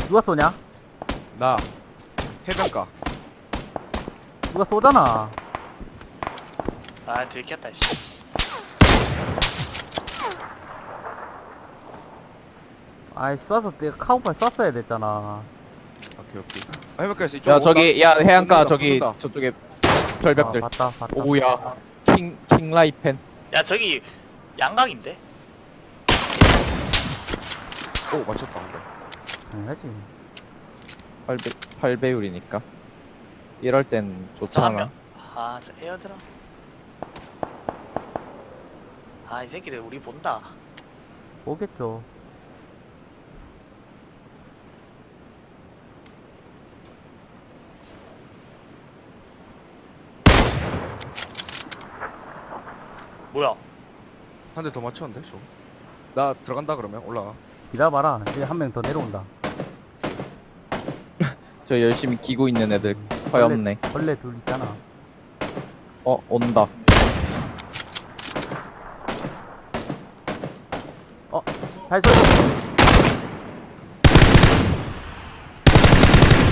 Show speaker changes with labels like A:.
A: 누가 쏘냐?
B: 나 해변가.
A: 누가 쏘잖아.
C: 아 들켰다 씨.
A: 아이 쏴서 내가 카우팔 쐈어야 됐잖아.
B: 오케이 오케이. 해변가에서 이쪽.
D: 야 저기 야 해안가
B: 쏜다,
D: 저기
B: 쏜다.
D: 저쪽에
A: 아,
D: 절벽들.
A: 봤다 봤다.
D: 오야 킹라이펜.
C: 야 저기 양각인데?
B: 오 맞췄다.
A: 당연하지.
D: 8배율이니까 이럴 땐
C: 저 한
D: 좋잖아.
C: 명. 아 저 에어드랍. 아 이 새끼들 우리 본다.
A: 오겠죠.
C: 뭐야?
B: 한 대 더 맞췄는데 저. 나 들어간다 그러면 올라가.
A: 기다려봐라. 이제 한 명 더 내려온다.
D: 저 열심히 기고 있는 애들 허였네.
A: 벌레 둘 있잖아.
D: 온다.
A: 발소리.